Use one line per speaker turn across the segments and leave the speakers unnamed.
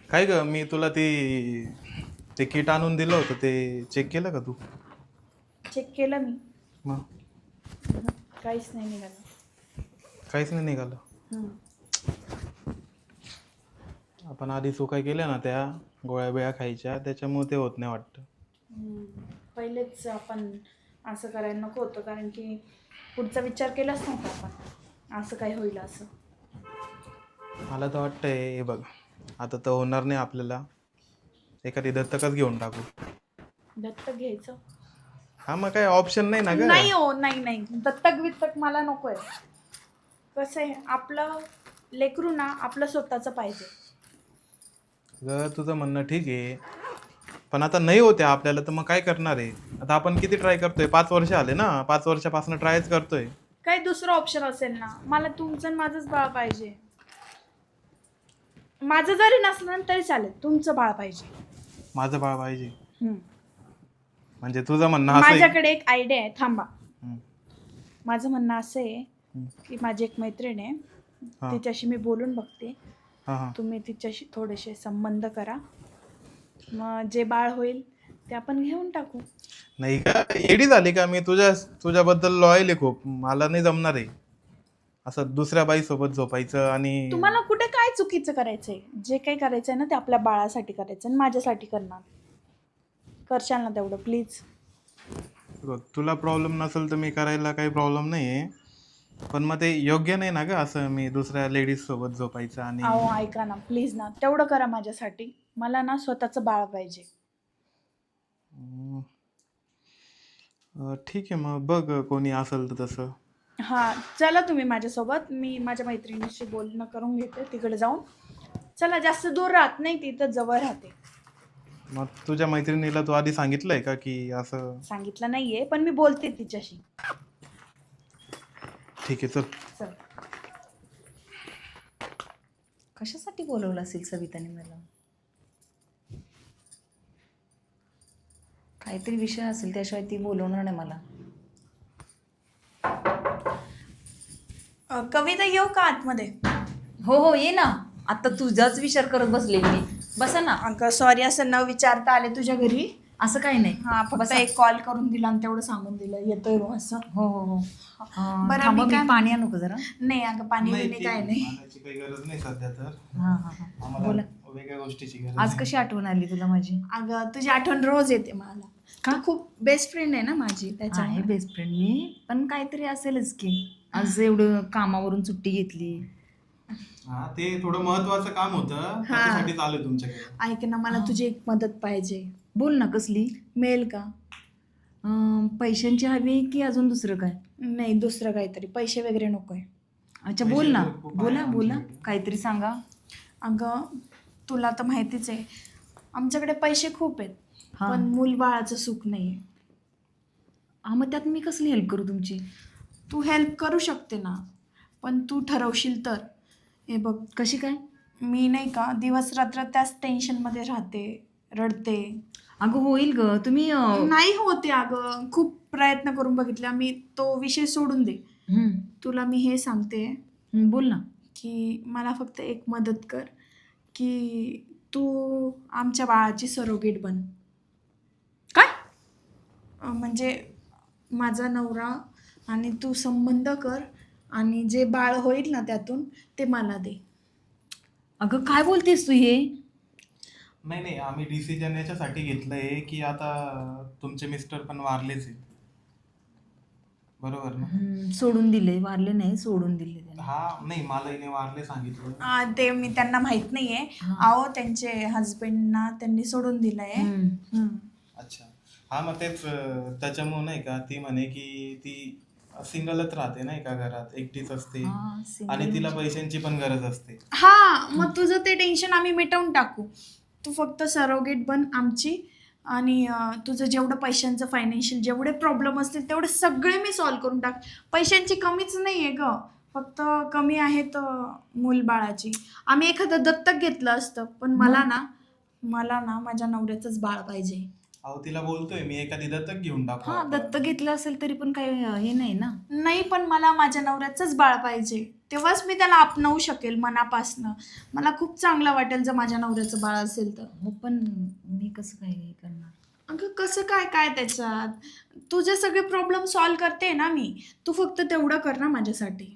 काय ग, मी तुला ते किट आणून दिलं होतं, ते चेक केलं का तू?
चेक केलं मी.
मग
काहीच नाही निघालं.
काहीच नाही निघालं. आपण आधी चुका केल्या ना, त्या गोळ्या बिळ्या खायच्या, त्याच्यामुळे ते होत नाही वाटतं.
पहिलेच आपण असं करायला नको होतं, कारण की पुढचा विचार केलाच नव्हता आपण असं काय होईल असं.
मला तर वाटतंय, हे बघ, आता तर होणार नाही आपल्याला, एखादी दत्तकच घेऊन टाकू.
दत्तक घ्यायचं?
हा, मग काय ऑप्शन नाही ना ग.
नाही हो, नाही नाही, दत्तक बित्तक मला नको आहे. कसं आहे, आपलं लेकरू ना आपलं स्वतःचं पाहिजे.
ग तुझं म्हणणं ठीक आहे, पण आता नाही होते आपल्याला, तर मग काय करणार आहे? आता आपण किती ट्राय करतोय, 5 वर्ष आले ना, 5 वर्षापासून ट्रायच करतोय.
काही दुसरं ऑप्शन असेल ना? मला तुमचं आणि माझंच बाळ पाहिजे. माझं जरी नसलं ना तरी चालेल, तुमचं बाळ पाहिजे.
माझं बाळ पाहिजे म्हणजे तुझं म्हणणं असं आहे?
माझ्याकडे एक आयडिया आहे, थांबा.
हम्म.
माझं म्हणणं असं आहे की माझी एक मैत्रीण आहे,
हा.
तिच्याशी मी बोलून बघते.
हा हा.
तुम्ही तिच्याशी थोडेसे संबंध करा, मग जे बाळ होईल ते आपण घेऊन टाकू.
नाही का, एडी झाली का? मी तुझ्याबद्दल लॉयल आहे खूप, मला नाही जमणार आहे असं दुसऱ्या बाई सोबत झोपायचं. आणि
तुम्हाला कुठे काय चुकीचं करायचंय? जे काही करायचंय ना ते आपल्या बाळासाठी करायचं आणि माझ्यासाठी करणार. करशाल ना तेवढं प्लीज?
बघ, तुला प्रॉब्लेम नसेल तर मी करायला काही प्रॉब्लेम नाही आहे, पण मग ते योग्य नाही ना ग, असं मी दुसऱ्या लेडीज सोबत झोपायचं. आणि
अहो ऐका ना प्लीज ना, तेवढं करा माझ्यासाठी. मला ना स्वतःचं बाळ पाहिजे.
ठीक आहे, मग बघ कोणी असेल तर तसं.
हां चला तुम्ही माझ्यासोबत, मी माझ्या मैत्रिणीशी बोलणं करून घेते तिकडे जाऊन. चला, जास्त दूर राहत नाही, ती तर जवळ राहते.
मग तुझ्या मैत्रिणीला तू आधी सांगितलंय का की असं?
सांगितलं नाहीये, पण मी बोलते तिच्याशी.
ठीक आहे, चल.
चल.
कशासाठी बोलवलं असेल सविताने मला? काहीतरी विषय असेल, त्याशिवाय ती बोलवणार नाही मला.
कविता येऊ का आतमध्ये?
हो हो, ये ना. आता तुझाच विचार करत बसले मी. बसा ना.
अगं सॉरी, असं न विचारता आले तुझ्या घरी.
असं काही नाही.
हा, फक्त
बसा.
एक कॉल करून दिला आणि तेवढं सांगून दिलं येतोय बा असं.
हो हो हो.
बरं,
थांबा,
मी
मी
काय-
पाणी आणू का जरा?
नाही अगं, पाणी
नाही,
बिणी काय नाही.
पाण्याची काही गरज नाही सध्या तर.
हां हां हां.
आम्हाला
बोला.
वेगळ्या गोष्टीची गरज
आज
आहे.
कशी आठवण आली तुला माझी?
अगं तुझी आठवण रोज येते मला.
का?
तू खूप बेस्ट फ्रेंड आहे ना माझी,
आहे
त्याच्यामुळे.
बेस्ट फ्रेंड मी, पण काहीतरी असेलच की. आज एवढं कामावरून सुट्टी घेतली.
हा, ते थोडं महत्वाचं काम होतं, त्याच्यासाठी आलोय तुमच्याकडे.
ऐक ना, मला तुझी एक मदत पाहिजे.
बोल ना, कसली?
मिळेल का?
पैशांची हवी की अजून दुसरं काय?
नाही, दुसरं काहीतरी, पैसे वगैरे नकोय.
अच्छा, बोल ना.
पैसे खूप आहे
बोला बोला,
आमच्याकडे.
काहीतरी सांगा.
अगं तुला तर माहितीच आहे, आमच्याकडे पैसे खूप आहेत,
हां.
पण मूल बाळाचं सुख नाहीये.
हा, मग त्यात मी कसली हेल्प करू तुमची?
तू हेल्प करू शकते ना, पण तू ठरवशील तर. हे बघ,
कशी काय?
मी नाही का दिवस रात्र त्याच टेन्शनमध्ये राहते, रडते.
अगं होईल ग, तुम्ही
नाही होते अगं, खूप प्रयत्न करून बघितला मी, तो विषय सोडून दे. तुला मी हे सांगते
बोल ना.
की मला फक्त एक मदत कर, की तू आमच्या बाळाची सरोगेट बन.
काय?
म्हणजे माझा नवरा आणि तू संबंध कर, आणि जे बाळ होईल ना त्यातून ते मला दे.
अगं काय बोलतेस तू हे?
नाही नाही, आम्ही डिसिजन याच्यासाठी घेतलंय की आता तुमचे मिस्टर पण वारलेच आहेत, बरोबर ना?
सोडून दिले, वारले नाही, सोडून दिले त्याने.
हा, नाही, मला हिने वारले सांगितलं.
ते मी त्यांना माहित नाहीये.
हा.
अहो त्यांचे हजबंडना त्यांनी सोडून दिलंय.
अच्छा, हा, मग तेच त्याच्यामुळे नाही का, ती म्हणे की ती सिंगलच राहते नाही का, घरात एकटीच असते,
हा, single
आणि तिला
म्हणजे-
पैशांची पण गरज असते.
हा, मग तुझं ते टेन्शन आम्ही मिटवून टाकू. तू फक्त सरोगेट बन आमची, आणि तुझं जेवढं पैशांचं फायनान्शियल जेवढे प्रॉब्लेम असतील तेवढे सगळे मी सॉल्व्ह करून टाक. पैशांची कमीच नाही आहे ग, फक्त कमी आहेत मूल बाळाची. आम्ही एखादं दत्तक घेतलं असतं, पण मला ना माझ्या नवऱ्याचंच बाळ पाहिजे.
अहो, तिला बोलतोय मी, एखादी दत्तक घेऊन टाकू
हा,
आपण.
दत्तक घेतलं असेल तरी पण काही हे नाही ना.
नाही, पण मला माझ्या नवऱ्याचंच बाळ पाहिजे. तेव्हाच मी त्याला अपनावू शकेल मनापासनं. मला खूप चांगलं वाटेल जर माझ्या नवऱ्याचं बाळ असेल तर.
हो पण मी कसं काय हे करणार?
अगं कसं काय काय त्याच्यात, तुझे सगळे प्रॉब्लेम सॉल्व करते ना मी. तू फक्त तेवढं कर ना माझ्यासाठी.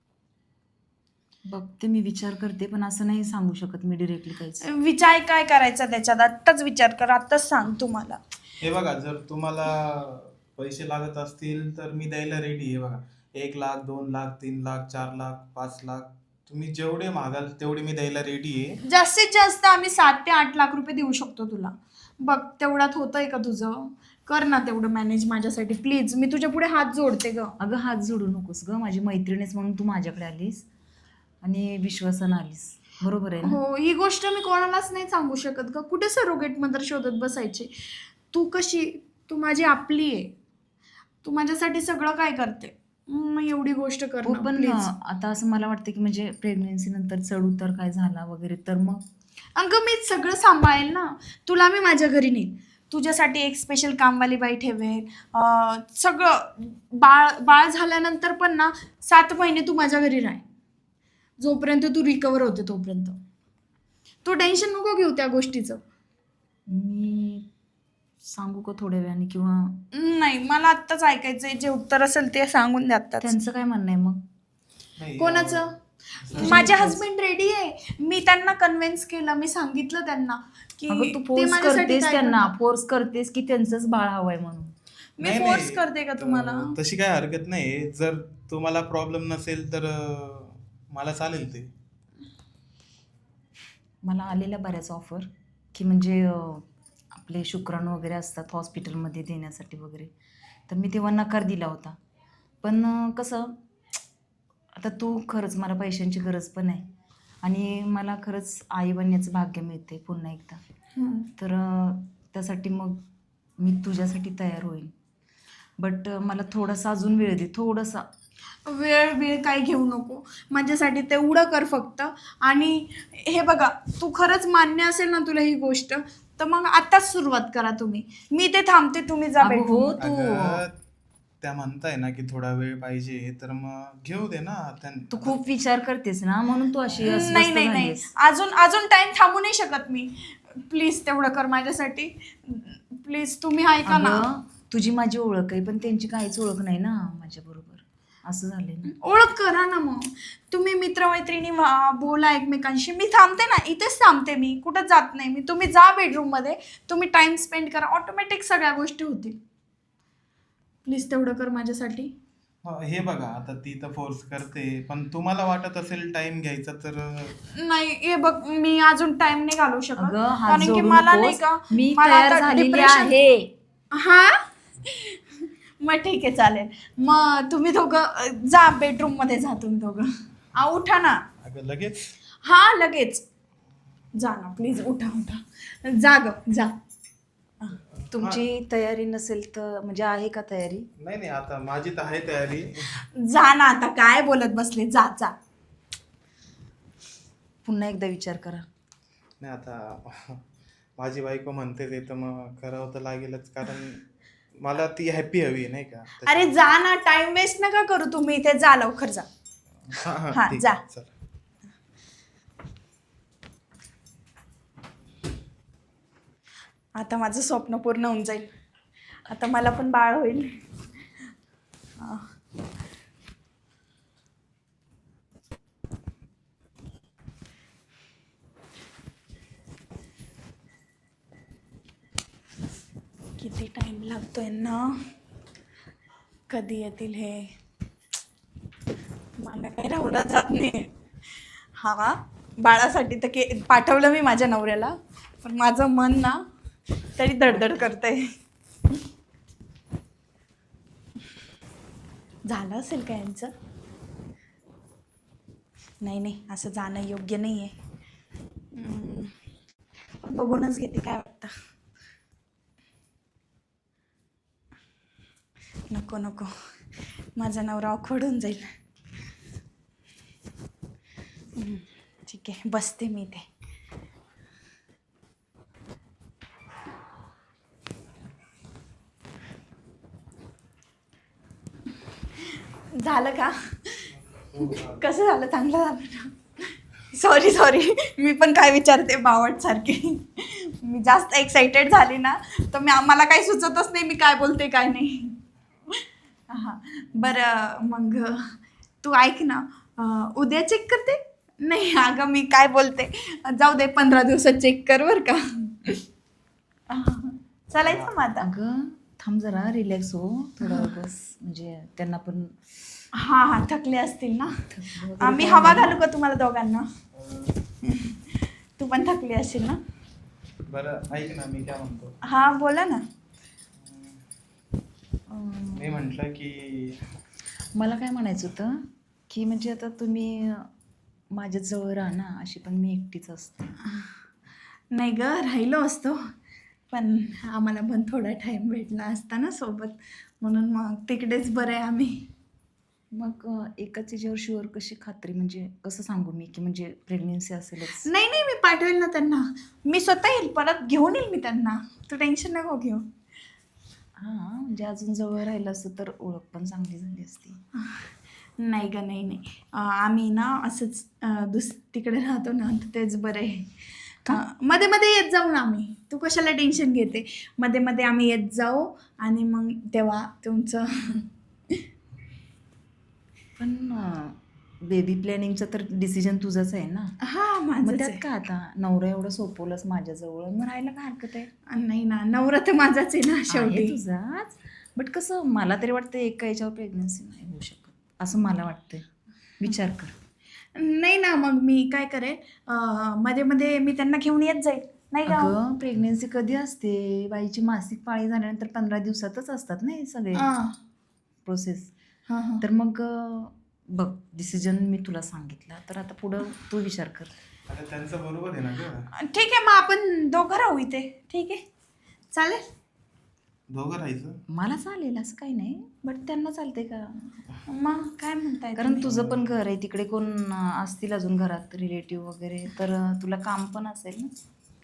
बघते, मी विचार करते, पण असं नाही सांगू शकत मी डिरेक्टली काहीच.
विचार काय करायचा त्याच्यात, आत्ताच विचार कर, आत्ताच सांग तू मला.
हे बघा, जर तुम्हाला पैसे लागत असतील तर मी द्यायला रेडी आहे. बघा, 1 लाख, 2 लाख, 3 लाख, 4 लाख, 5 लाख, तुम्ही जेवढे मागाल तेवढे मी द्यायला रेडी आहे.
जास्तीत जास्त आम्ही 7 ते 8 लाख रुपये देऊ शकतो तुला. बघ तेवढ्यात होतंय का तुझं? कर ना तेवढं मॅनेज माझ्यासाठी प्लीज. मी तुझ्या पुढे हात जोडते ग.
अगं हात जोडू नकोस ग, माझी मैत्रिणीच म्हणून तू माझ्याकडे आलीस आणि विश्वासानं आलीस, बरोबर आहे ना?
हो, ही गोष्ट मी कोणालाच नाही सांगू शकत ग. कुठे सरोगेट मदर शोधत बसायची. तू माझी आपली आहे. तू माझ्यासाठी सगळं काय करते, मग एवढी गोष्ट कर
हो
ना
पण
प्लीज.
आता असं मला वाटतं की म्हणजे प्रेग्नेन्सी नंतर चढ उतार काय झाला वगैरे तर मग
अगं मी सगळं सांभाळेल ना. तुला मी माझ्या घरी नेईन, तुझ्यासाठी एक स्पेशल कामवाली बाई ठेवेन. सगळं बाळ झाल्यानंतर पण ना 7 महिने तू माझ्या घरी राह, जोपर्यंत तू रिकवर होते तोपर्यंत. तू टेन्शन नको घेऊ त्या गोष्टीचं.
मी सांगू का थोड्या वेळाने किंवा
नाही, मला आत्ताच ऐकायचंय. जे उत्तर असेल ते सांगून द्या आत्ताच.
त्यांचं काय म्हणणं आहे मग?
नाही,
कोणाचं? माझे हस्बंड रेडी आहे. मी त्यांना कन्व्हिन्स केलं, मी सांगितलं त्यांना की
अगं तू
ते
फोर्स
माझ्यासाठी
करतेस
काय
त्यांना,
करतात.
फोर्स करतेस की त्यांचंच बाळ हवंय म्हणून.
मी
नाही,
फोर्स
नाही,
करते का तुम्हाला?
तशी काय हरकत नाही. जर तुम्हाला प्रॉब्लेम नसेल तर मला चालेल ते.
मला आलेल्या बऱ्याच ऑफर की म्हणजे आपले शुक्राणू वगैरे असतात हॉस्पिटलमध्ये देण्यासाठी वगैरे, तर मी तेव्हा नकार दिला होता. पण कसं आता तू खरंच, मला पैशांची गरज पण आहे आणि मला खरंच आई बनण्याचं भाग्य मिळते पुन्हा एकदा. तर त्यासाठी मग मी तुझ्यासाठी तयार होईल. बट मला थोडासा अजून वेळ दे, थोडासा.
वेळ काय घेऊ नको माझ्यासाठी, तेवढं कर फक्त. आणि हे बघा, तू खरंच मान्य असेल ना तुला ही गोष्ट, तर मग आताच सुरुवात करा तुम्ही. मी ते थांबते, तुम्ही जा
अगं
bedroom.
हो, तू
अगं, त्या म्हणताय ना की थोडा वेळ पाहिजे, तर मग घेऊ दे ना.
तू खूप विचार करतेस ना, म्हणून तू अशी
नाही
अस्वस्थ
नाही नाही,
झालीस.
अजून टाइम थांबू नाही शकत मी. प्लीज तेवढं कर माझ्यासाठी प्लीज. तुम्ही ऐका ना.
अगं, तुझी माझी ओळख आहे, पण त्यांची काहीच ओळख नाही ना माझ्या बरोबर, असं झालंय ना.
ओळख करा ना मग. तुम्ही मित्रमैत्रिणी व्हा, बोला एकमेकांशी. मी थांबते ना, इथेच थांबते मी, कुठं जात नाही मी. तुम्ही जा बेडरूम मध्ये, तुम्ही टाइम स्पेंड करा, ऑटोमॅटिक सगळ्या गोष्टी होतील. प्लीज तेवढं कर माझ्यासाठी.
हे बघा, आता ती तर फोर्स करते, पण तुम्हाला वाटत असेल टाइम घ्यायचा तर
नाही, हे बघ, मी अजून टाइम नाही घालवू शकत.
अगं हात
कारण की
जोडू
मला नाही
नकोस,
का,
मी
मला
तयार
आता
झालेली
depression-
आहे.
हा मग ठीक आहे, चालेल. मग तुम्ही दोघं जा बेडरूम मध्ये, जा तुम्ही दोघं. उठा ना.
अगं लगेच.
हा लगेच जा ना प्लीज, उठा जा ग जा.
तुमची तयारी नसेल तर म्हणजे आहे का तयारी?
नाही नाही, आता माझी तर आहे तयारी.
जा ना, आता काय बोलत बसले, जा जा.
पुन्हा एकदा विचार करा.
नाही, आता माझी बायको म्हणते ते, तर मग करावं तर लागेलच, कारण मला ती हॅपी हवी आहे, नाही का?
अरे जा ना, टाइम वेस्ट नका करू तुम्ही इथे, जा लवकर जा. हा,
ठीक
जा.
आहे, चला.
आता माझं स्वप्न पूर्ण होऊन जाईल. आता मला पण बाळ होईल. हा. किती टाइम लागतोय ना, कधी येतील हे, मला काही राहूला जात नाही. हा, बाळासाठी तर पाठवलं मी माझ्या नवऱ्याला, पण माझं मन ना तरी धडधड करतंय. झालं असेल का यांचं? नाही नाही, असं जाणं योग्य नाही आहे. बघूनच घेते काय वाटतं. नको नको, माझा नवरा ऑकवर्ड होऊन जाईल. ठीक आहे, बसते मी इथे. झालं का? कसं झालं, चांगलं झालं ना? सॉरी मी पण काय विचारते बावट सारखी. मी जास्त एक्साइटेड झाली ना तर मला काही सुचतच नाही मी काय बोलते काय नाही. हां बरं मग तू ऐक ना, उद्या चेक करते? नाही अगं मी काय बोलते, जाऊ दे 15 दिवसात चेक कर बरं का. चालायचं मग आता.
अगं थांब जरा, रिलॅक्स हो थोडा बस, म्हणजे त्यांना पण
हां थकले असतील ना.
वगैरे
मी
काय
हवा
नाही.
घालू का तुम्हाला दोघांना? तू पण थकली असेल ना.
बरं ऐक ना, मी काय म्हणतो,
हा बोला ना.
मी म्हटलं की
मला काय म्हणायचं होतं की म्हणजे आता तुम्ही माझ्या जवळ राहा ना, अशी पण मी एकटीच असते.
नाही ग राहिलो असतो, पण आम्हाला पण थोडा टाइम भेटला असता ना सोबत, म्हणून मग तिकडेच बरं आहे आम्ही.
मग एकाच याच्यावर शुअर कशी खात्री, म्हणजे कसं सांगू मी की म्हणजे प्रेग्नेन्सी असेलच?
नाही मी पाठवेल ना त्यांना, मी स्वतः येईल, परत घेऊन येईल मी त्यांना, तू टेन्शन नको घेऊ.
हां म्हणजे अजून जवळ राहिलं असतं तर ओळख पण चांगली झाली असती.
नाही ग नाही आम्ही ना असंच तिकडे राहतो ना तर तेच बरं आहे. मध्ये मध्ये येत जाऊ ना आम्ही, तू कशाला टेन्शन घेते, मध्ये मध्ये आम्ही येत जाऊ आणि मग तेव्हा तुमचं.
पण बेबी प्लॅनिंगचं तर डिसिजन तुझंच आहे ना.
हा
मग
माझंच
त्यात
आहे.
का आता नवरा एवढं सोपवलंच माझ्याजवळ, मग राहायला काय हरकत आहे?
नाही ना, नवरा तर माझाच आहे ना
आहे
शेवटी.
तुझाच, बट कसं मला तरी वाटतं एका याच्यावर प्रेग्नन्सी नाही होऊ शकत असं मला वाटतंय. विचार कर.
नाही ना, मग मी काय करेन, मध्ये मध्ये मी त्यांना घेऊन येत जाईल, नाही का?
अगं प्रेग्नेन्सी कधी असते? बाईची मासिक पाळी झाल्यानंतर 15 दिवसातच असतात ना हे सगळे प्रोसेस.
हां
तर मग बघ, डिसिजन मी तुला सांगितलं, तर आता पुढं तू विचार कर.
आता त्यांचं बरोबर आहे ना ग,
ठीक आहे, मग आपण दोघं राहू इथे, ठीक आहे चालेल.
दोघं राहायचं.
मला चालेल असं काही नाही, बट त्यांना चालते का?
मग काय म्हणताय
कारण
तुम्ही?
तुझं पण घर आहे तिकडे, कोण असतील अजून घरात रिलेटिव्ह वगैरे, तर तुला काम पण असेल ना.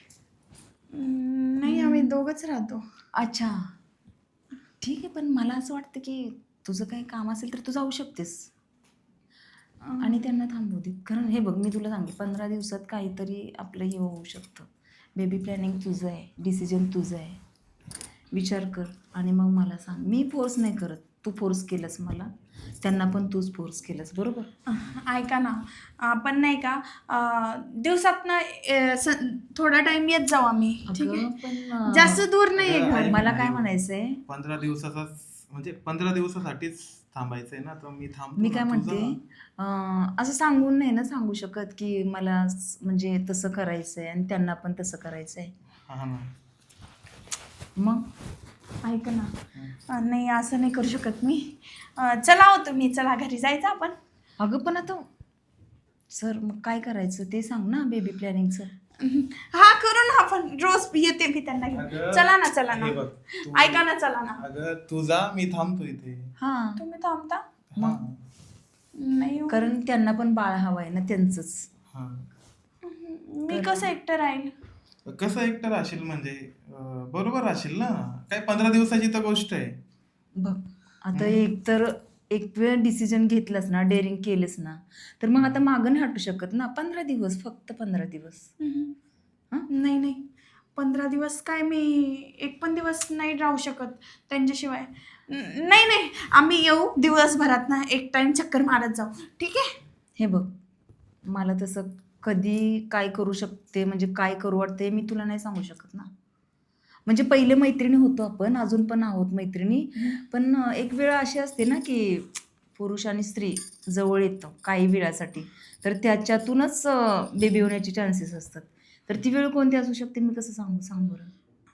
नाही आम्ही दोघंच राहतो.
अच्छा ठीक आहे, पण मला असं वाटतं की तुझं काही काम असेल तर तू जाऊ शकतेस आणि त्यांना थांबवू दे. कारण हे बघ, मी तुला सांगते 15 दिवसात काहीतरी आपलं हे होऊ शकतं. बेबी प्लॅनिंग तुझं आहे, डिसिजन तुझं आहे, विचार कर आणि मग मला सांग. मी फोर्स नाही करत, तू फोर्स केलंस मला, त्यांना पण तूच फोर्स केलंस, बरोबर?
ऐका ना, आपण नाही का दिवसात ना थोडा टाइम येत जाऊ आम्ही, ठीक आहे?
अगं पण
जास्त दूर नाही आहे
अगं,
घर.
ऐक
मला
ना,
काय
ऐक.
म्हणायचंय,
15 दिवसाचाच म्हणजे 15 दिवसासाठीच थांबायचंय ना, तर मी थांबतो
मी
ना,
काय
तू
म्हणते,
जा.
असं सांगून नाही ना सांगू शकत की मला म्हणजे तसं करायचं आहे आणि त्यांना पण तसं करायचं आहे.
हा ना.
मग
ऐका ना, नाही असं नाही करू शकत मी. चला हो तुम्ही, चला घरी जायचं आपण.
अगं पण आता सर मग काय करायचं ते सांग ना, बेबी प्लॅनिंगचं.
हा करू ना आपण, रोज येते मी त्यांना घेऊन.
अगं,
चला ना चला ना,
हे बघ, तू-
ऐका ना चला ना.
अगं तू जा, मी थांबतो इथे.
हां
तुम्ही थांबता?
हा
नाही हो.
कारण त्यांना पण बाळ हवं आहे ना त्यांचंच.
हा.
मी कसं एकटं राहील?
कसं एकटं राहशील म्हणजे बरोबर राहशील ना, काय 15 दिवसाची तर गोष्ट आहे.
बघ आता एक वेळ डिसिजन घेतलास ना, डेअरिंग केलंस ना, तर मग आता मागं नाही हटू शकत ना. 15 दिवस, फक्त 15 दिवस.
नाही 15 दिवस काय, मी एक पण दिवस नाही राहू शकत त्यांच्याशिवाय. नाही आम्ही येऊ दिवसभरात ना, एक टाइम चक्कर मारत जाऊ, ठीक आहे?
हे बघ, मला तसं कधी काय करू शकते म्हणजे काय करू वाटते मी तुला नाही सांगू शकत ना. म्हणजे पहिले मैत्रिणी होतो आपण, अजून पण आहोत मैत्रिणी, पण एक वेळ अशी असते ना की पुरुष आणि स्त्री जवळ येतं काही वेळासाठी, तर त्याच्यातूनच बेबी होण्याचे चान्सेस असतात. तर ती वेळ कोणती असू शकते मी कसं सांग बरं.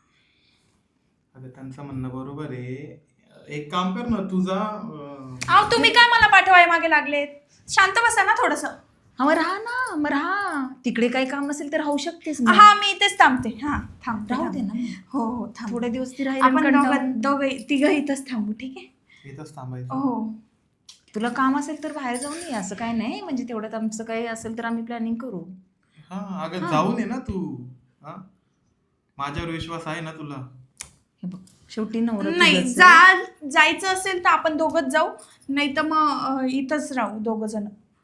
अगं त्यांचं म्हणणं बरोबर आहे. एक काम कर ना, तुझा
अहो तुम्ही काय मला पाठवाय मागे लागलेत? शांत बसा ना थोडंसं.
हा मग राहा ना, मग राहा, तिकडे काही काम असेल तर राहू शकतेस ना.
हा मी इथेच थांबते. हा थांबते.
राहू दे ना.
हो थांब.
थोडे दिवस ती राहील आणि
आपण
कंटाळून.
तिघं इथंच थांबू, ठीक आहे?
इथंच थांबायचं.
हो
तुला काम असेल तर बाहेर जाऊन ये, असं काय नाही. म्हणजे तेवढ्यात आमचं काही असेल तर आम्ही प्लॅनिंग करू.
हा अगं जाऊन ये ना तू. हा माझ्यावर विश्वास आहे ना तुला.
हे बघ, शेवटी नवरा
नाही,
तुझाच आहे.
जायचं असेल तर आपण दोघंच जाऊ, नाही तर मग इथंच राहू दोघं जण.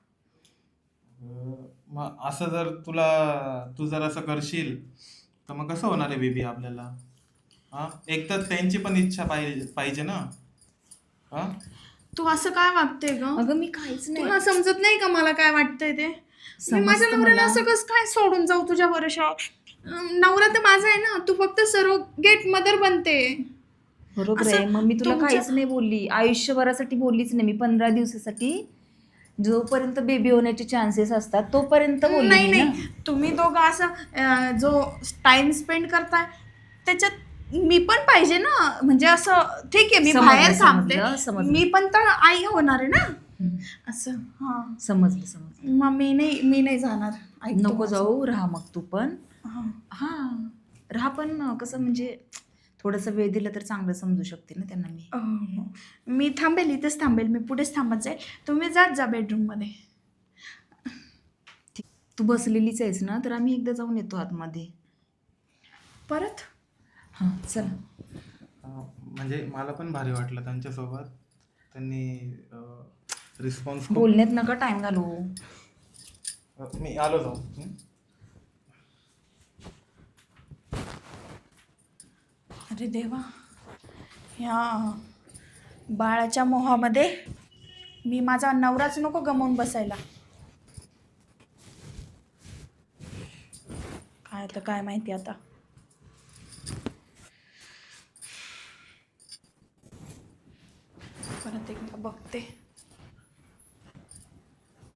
मग असं जर तू जर असं करशील तर मग कसं होणार आहे बेबी आपल्याला? हा, एक तर त्यांची पण इच्छा पाहिजे पाहिजे ना. हा,
तू असं काय वागते ग?
अगं मी काहीच नाही.
तुला समजत नाही का मला काय वाटतंय ते? मी माझ्या
समजतं
नवऱ्याला
मला.
असं कसं काय सोडून जाऊ तुझ्या भरोशावर? नवरा तर माझा आहे ना, तू फक्त सरोगेट मदर बनते.
बरोबर
असं
आहे. मग मी तुला
तुमच्या-
काहीच नाही बोलली, आयुष्यभरासाठी बोललीच नाही मी. 15 दिवसासाठी जोपर्यंत बेबी होण्याचे चान्सेस असतात तोपर्यंत बोलली
नाही
मी ना.
नाही, तुम्ही दोघं असं जो टाइम स्पेंड करताय त्याच्यात मी पण पाहिजे ना. म्हणजे असं ठीक आहे, मी
समजलं,
बाहेर
समजलं.
थांबते, मी पण तर आई होणार आहे ना.
हम्म.
असं हा.
समजलं.
मग मी नाही जाणार. ऐक तू
नको
माझं.
जाऊ, राहा मग तू पण.
हा.
हा, राहा पण कसं म्हणजे थोडासा वेळ दिला तर चांगलं समजू शकते ना त्यांना मी.
हो. मी थांबेल, इथेच थांबेल, मी पुढेच थांबत जाईल. तुम्ही जात जा बेडरूममध्ये.
तू बसलेलीच आहेस ना, तर आम्ही एकदा जाऊन येतो आतमध्ये.
परत
हां चल.
म्हणजे मला पण भारी वाटलं त्यांच्यासोबत. त्यांनी रिस्पॉन्स खूप.
बोलण्यात नका टाइम घालू.
मी आलो जाऊ.
अरे देवा, ह्या बाळाच्या मोहामध्ये मी माझा नवराच नको गमावून बसायला. काय तर काय माहिती आता.